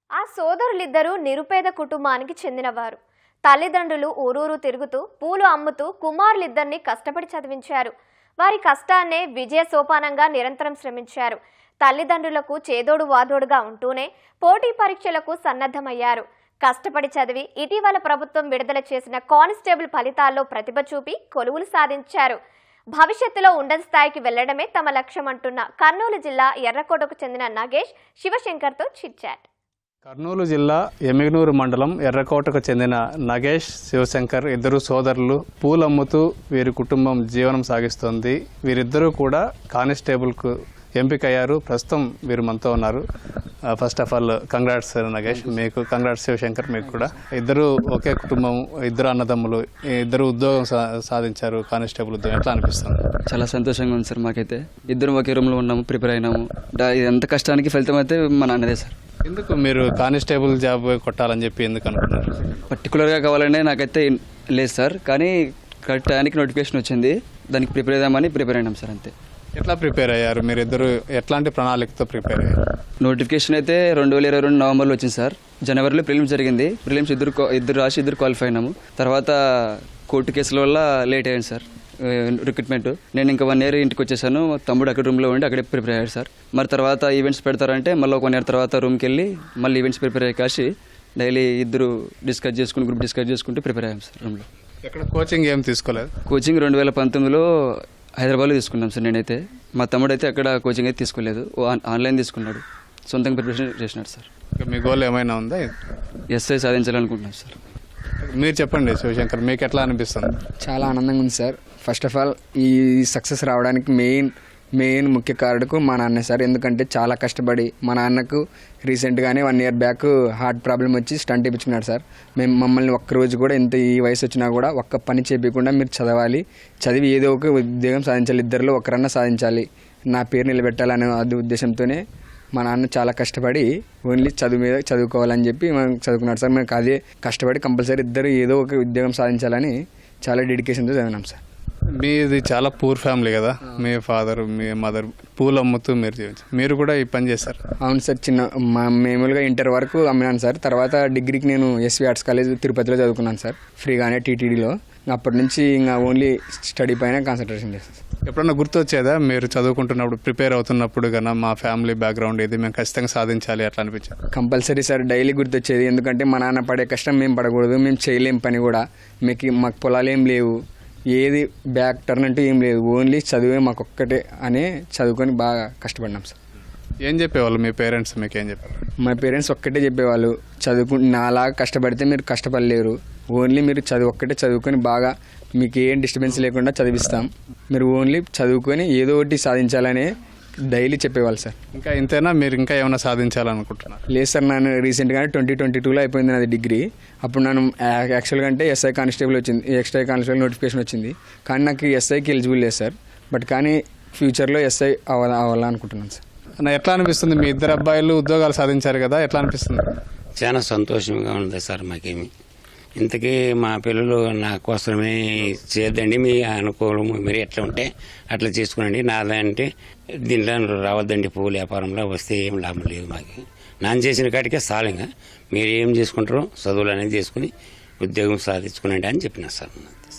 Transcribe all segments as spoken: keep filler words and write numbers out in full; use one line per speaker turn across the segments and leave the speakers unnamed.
ఆ సోదరులిద్దరూ నిరుపేద కుటుంబానికి చెందినవారు. తల్లిదండ్రులు ఊరూరు తిరుగుతూ పూలు అమ్ముతూ కుమారులిద్దరిని కష్టపడి చదివించారు. వారి కష్టాన్నే విజయ సోపానంగా నిరంతరం శ్రమించారు. తల్లిదండ్రులకు చేదోడు వాదోడుగా ఉంటూనే పోటీ పరీక్షలకు సన్నద్ధమయ్యారు. కష్టపడి చదివి ఇటీవల ప్రభుత్వం విడుదల చేసిన కానిస్టేబుల్ ఫలితాల్లో ప్రతిభ చూపి కొలువులు సాధించారు. భవిష్యత్తులో ఉన్నత స్థాయికి వెళ్లడమే తమ లక్ష్యం అంటున్న కర్నూలు జిల్లా ఎర్రకోటకు చెందిన నగేష్ శివశంకర్తో చిట్చాట్.
కర్నూలు జిల్లా ఎమ్మిగనూరు మండలం ఎర్రకోటకు చెందిన నగేష్ శివశంకర్ ఇద్దరు సోదరులు పూలమ్ముతూ వీరి కుటుంబం జీవనం సాగిస్తోంది. వీరిద్దరూ కూడా కానిస్టేబుల్కు ఎంపికయ్యారు. ప్రస్తుతం వీరు మనతో ఉన్నారు. First of all congrats Nagesh, మీకు కంగ్రాట్స్ శివశంకర్, మీకు కూడా. ఇద్దరు ఒకే కుటుంబం, ఇద్దరు అన్నదమ్ములు, ఇద్దరు ఉద్యోగం సాధించారు, కానిస్టేబుల్ ఉద్యోగం. ఎట్లా అనిపిస్తుంది?
చాలా సంతోషంగా ఉంది సార్. మాకైతే ఇద్దరు ఒకే రూమ్లో ఉన్నాము, ప్రిపేర్ అయినాము. ఎంత కష్టానికి ఫలితం అయితే మా నాన్నదే సార్.
ఎందుకు మీరు కానిస్టేబుల్ జాబ్ కొట్టాలని చెప్పి ఎందుకు అనుకున్నారు?
పర్టికులర్గా కావాలనే నాకైతే లేదు సార్, కానీ కరెక్ట్ టైంకి నోటిఫికేషన్ వచ్చింది, దానికి ప్రిపేర్ అవుదామని ప్రిపేర్ అయినాం సార్, అంతే.
ఎట్లా ప్రిపేర్ అయ్యారు మీరు ఇద్దరు? ఎట్లాంటి ప్రణాళికతో ప్రిపేర్ అయ్యారు?
నోటిఫికేషన్ అయితే రెండు వేల ఇరవై రెండు నవంబర్లో వచ్చింది సార్. జనవరిలో ప్రిలిమ్స్ జరిగింది. ప్రిలిమ్స్ ఇద్దరు ఇద్దరు రాసి ఇద్దరు క్వాలిఫై అయినాము. తర్వాత కోర్టు కేసుల వల్ల లేట్ అయ్యాను సార్ రిక్రూట్మెంట్. నేను ఇంకా వన్ ఇయర్ ఇంటికి వచ్చేసాను. తమ్ముడు అక్కడ రూమ్లో ఉండి అక్కడే ప్రిపేర్ అయ్యాడు సార్. మరి తర్వాత ఈవెంట్స్ పెడతారంటే మళ్ళీ ఒక వన్ ఇయర్ తర్వాత రూమ్కి వెళ్ళి మళ్ళీ ఈవెంట్స్ ప్రిపేర్ అయ్యి కాసి డైలీ ఇద్దరు డిస్కస్ చేసుకుని గ్రూప్ డిస్కస్ చేసుకుంటూ ప్రిపేర్ అయ్యాం సార్ రూమ్లో.
ఎక్కడ కోచింగ్ ఏం తీసుకోలేదు?
కోచింగ్ రెండు వేల పంతొమ్మిదిలో హైదరాబాద్లో తీసుకున్నాం సార్ నేనైతే. మా తమ్ముడు అయితే అక్కడ కోచింగ్ అయితే తీసుకోలేదు, ఆన్లైన్ తీసుకున్నాడు, సొంతంగా ప్రిపరేషన్ చేసినాడు సార్.
మీ గోల్ ఏమైనా ఉందా?
ఎస్ఐ సాధించాలనుకుంటున్నాను సార్.
మీరు చెప్పండి శివశంకర్, మీకు ఎట్లా అనిపిస్తుంది?
చాలా ఆనందంగా ఉంది సార్. ఫస్ట్ ఆఫ్ ఆల్ ఈ సక్సెస్ రావడానికి మెయిన్ మెయిన్ ముఖ్య కారణకు మా నాన్న సార్. ఎందుకంటే చాలా కష్టపడి మా నాన్నకు రీసెంట్గానే one year back heart problem వచ్చి స్టంట్ ఇప్పించుకున్నాడు సార్. మేము మమ్మల్ని ఒక్కరోజు కూడా ఎంత ఈ వయసు వచ్చినా కూడా ఒక్క పని చేయకుండా మీరు చదవాలి, చదివి ఏదో ఒక ఉద్యోగం సాధించాలి, ఇద్దరిలో ఒకరన్నా సాధించాలి, నా పేరు నిలబెట్టాలనే అది ఉద్దేశంతోనే మా నాన్న చాలా కష్టపడి ఓన్లీ చదువు మీద చదువుకోవాలని చెప్పి మనం చదువుకున్నాడు సార్. మనకు అదే కష్టపడి కంపల్సరీ ఇద్దరు ఏదో ఒక ఉద్యోగం సాధించాలని చాలా డెడికేషన్తో చదివినాం సార్.
మీది చాలా పూర్ ఫ్యామిలీ కదా, మీ ఫాదర్ మీ మదర్ పూలు అమ్ముతూ మీరు జీవించారు, మీరు కూడా ఈ పని చేస్తారు?
అవును సార్. చిన్న మామూలుగా ఇంటర్ వరకు అమ్మినాను సార్. తర్వాత డిగ్రీకి నేను ఎస్వి ఆర్ట్స్ కాలేజ్ తిరుపతిలో చదువుకున్నాను సార్, ఫ్రీగానే టీటీడీలో. అప్పటి నుంచి ఇంకా ఓన్లీ స్టడీ పైన కాన్సన్ట్రేషన్ చేస్తాను సార్.
ఎప్పుడన్నా గుర్తొచ్చేదా మీరు చదువుకుంటున్నప్పుడు, ప్రిపేర్ అవుతున్నప్పుడు కన్నా మా ఫ్యామిలీ బ్యాక్గ్రౌండ్ ఇది, మేము ఖచ్చితంగా సాధించాలి అట్లా అనిపించింది?
కంపల్సరీ సార్, డైలీ గుర్తొచ్చేది. ఎందుకంటే మా నాన్న పడే కష్టం మేము పడకూడదు, మేము చేయలేం పని కూడా, మీకు మాకు పొలాలు ఏం లేవు, ఏది బ్యాక్ టర్న్ అంటూ ఏం లేదు, ఓన్లీ చదివే మాకు ఒక్కటే అనే చదువుకొని బాగా కష్టపడినాం సార్.
ఏం చెప్పేవాళ్ళు మీ పేరెంట్స్? మీకు ఏం చెప్పారు?
మా పేరెంట్స్ ఒక్కటే చెప్పేవాళ్ళు, చదువుకు నాలాగా కష్టపడితే మీరు కష్టపడలేరు, ఓన్లీ మీరు చదువు ఒక్కటే చదువుకొని బాగా మీకు ఏం డిస్టర్బెన్స్ లేకుండా చదివిస్తాం, మీరు ఓన్లీ చదువుకొని ఏదో ఒకటి సాధించాలనే డైలీ చెప్పేవాళ్ళు సార్.
ఇంకా ఇంతేనా? మీరు ఇంకా ఏమైనా సాధించాలనుకుంటున్నారు?
లేదు సార్, నేను రీసెంట్గానే ట్వంటీ ట్వంటీ టూలో అయిపోయింది నాది డిగ్రీ. అప్పుడు నేను యాక్చువల్గా అంటే ఎస్ఐ కానిస్టేబుల్ వచ్చింది, ఎక్స్ఐ కానిస్టేబుల్ నోటిఫికేషన్ వచ్చింది, కానీ నాకు ఎస్ఐకి ఎలిజిబుల్ లేదు సార్. బట్ కానీ ఫ్యూచర్లో ఎస్ఐ అవ్వాల అవ్వాలనుకుంటున్నాను సార్.
అన్న, ఎట్లా అనిపిస్తుంది? మీ ఇద్దరు అబ్బాయిలు ఉద్యోగాలు సాధించారు కదా, ఎట్లా అనిపిస్తుంది?
చాలా సంతోషంగా ఉంది సార్. మాకేమి ఇంతకీ మా పిల్లలు నా కోసమే చేద్దండి, మీ అనుకూలం మీరు ఎట్లా ఉంటే అట్లా చేసుకునండి, నాదంటే దీంట్లో రావద్దండి, పువ్వుల వ్యాపారంలో వస్తే ఏం లాభం లేదు, మాకు నాన్న చేసిన కాటికే సాలంగా మీరు ఏం చేసుకుంటారో చదువులు అనేది చేసుకుని ఉద్యోగం సాధించుకునండి అని చెప్పిన సార్.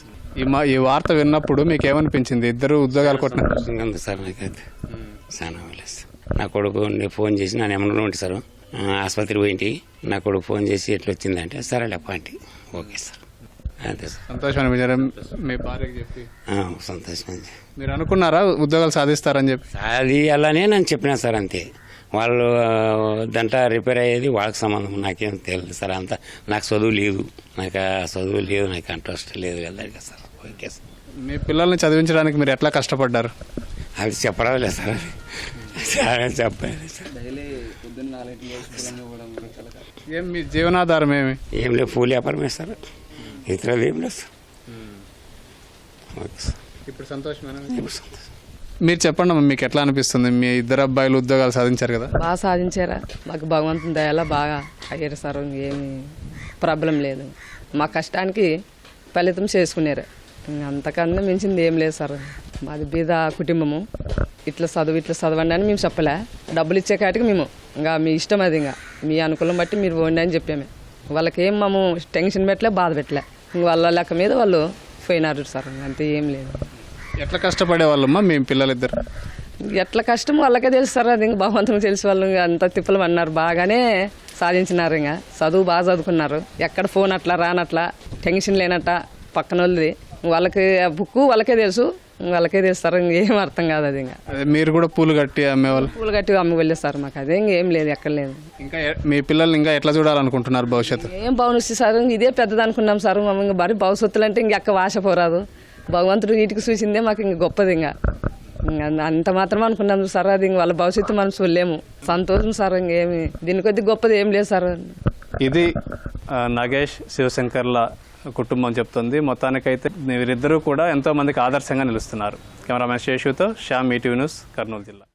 ఈ మా ఈ వార్త విన్నప్పుడు మీకు ఏమనిపించింది? ఇద్దరు ఉద్యోగాలు కొట్టిన
ఉంది సార్. నాకైతే చాలా లేదు. నా కొడుకు ఫోన్ చేసి నన్ను ఏమన్నా ఉంటే సార్ ఆసుపత్రి పోయింటి, నా కొడుకు ఫోన్ చేసి ఎట్లా వచ్చిందంటే సరే లేపాంటి, ఓకే సార్, అంతే సార్.
సంతోషం అనిపించారు మీ భార్యకి చెప్పి?
సంతోషం.
మీరు అనుకున్నారా ఉద్యోగాలు సాధిస్తారని చెప్పి?
అది అలానే నేను చెప్పినా సార్, అంతే. వాళ్ళు దంట రిపేర్ అయ్యేది వాళ్ళకి సంబంధం, నాకేం తెలియదు సార్. అంతా నాకు చదువు లేదు, నాకు ఆ చదువు లేదు, నాకు ఇంట్రెస్ట్ లేదు కదా సార్. Okay sir.
మీ పిల్లల్ని చదివించడానికి మీరు ఎట్లా కష్టపడ్డారు?
అది చెప్పడం లేదు సార్, చాలా చెప్పాలి సార్.
ఏం మీ జీవనాధారం ఏమి?
ఏం లేదు, పూల వ్యాపారం సార్, ఇతరులు ఏం లేదు సార్. Okay sir.
ఇప్పుడు సంతోషమేనా?
ఇప్పుడు సంతోషం.
మీరు చెప్పండి, మీకు ఎట్లా అనిపిస్తుంది? మీ ఇద్దరు అబ్బాయిలు ఉద్యోగాలు సాధించారు కదా?
బాగా సాధించారా, మాకు భగవంతుని దయలా బాగా అయ్యారు సార్. ఏమి ప్రాబ్లం లేదు, మా కష్టానికి ఫలితం చేసుకున్నారు, అంతకన్నా మించింది ఏం లేదు సార్. మాది బీద కుటుంబము. ఇట్లా చదువు ఇట్లా చదవండి అని మేము చెప్పలే. డబ్బులు ఇచ్చే కాటికి మేము ఇంకా మీ ఇష్టం అది, ఇంకా మీ అనుకూలం బట్టి మీరు పోండి అని చెప్పాము. వాళ్ళకి ఏం మేము టెన్షన్ పెట్టలే, బాధ పెట్టలే. ఇంక వాళ్ళ లెక్క మీద వాళ్ళు పోయినారు సార్, అంతే, ఏం లేదు.
ఎట్లా కష్టపడే వాళ్ళమ్మా మీ పిల్లలిద్దరు?
ఎట్లా కష్టం వాళ్ళకే తెలుస్తారు, అది ఇంకా భగవంతునికి తెలిసి వాళ్ళు ఇంకా అంత తిప్పలు అన్నారు. బాగానే సాధించినారు, ఇంకా చదువు బాగా చదువుకున్నారు. ఎక్కడ ఫోన్ అట్లా రానట్లా, టెన్షన్ లేనట్ట పక్కన వాళ్ళది. వాళ్ళకి బుక్ వాళ్ళకే తెలుసు, వాళ్ళకే తెలుస్తారు. ఇంకేం అర్థం కాదు అది. ఇంకా
అదే మీరు కూడా పూలు కట్టి అమ్మేవాళ్ళు?
పూలు కట్టి అమ్మి వెళ్ళేస్తారు. మాకు అదే ఇంకేం లేదు, ఎక్కడ లేదు.
ఇంకా ఎ- మీ పిల్లల్ని ఇంకా ఎట్లా చూడాలనుకుంటున్నారు భవిష్యత్తు?
ఏం బాగుంది సార్, ఇదే పెద్దది అనుకున్నాం సార్. ఇంకా మరి భవిష్యత్తులు అంటే ఇంకెక్క ఆశ పోరాదు. భగవంతుడు వీటికి చూసిందే మాకు ఇంక గొప్పది. ఇంకా ఇంకా అంత మాత్రం అనుకున్నాం సార్. అది ఇంక వాళ్ళ భవిష్యత్తు మనం చూడలేము. సంతోషం సార్, ఇంకేమి దీని కొద్ది గొప్పది ఏం లేదు సార్.
ఇది ఆ, నగేష్ శివశంకర్ల కుటుంబం చెప్తుంది. మొత్తానికైతే వీరిద్దరూ కూడా ఎంతో మందికి ఆదర్శంగా నిలుస్తున్నారు. కెమెరామెన్ శేషుతో శ్యామ్, ఈటీవీ న్యూస్, కర్నూలు జిల్లా.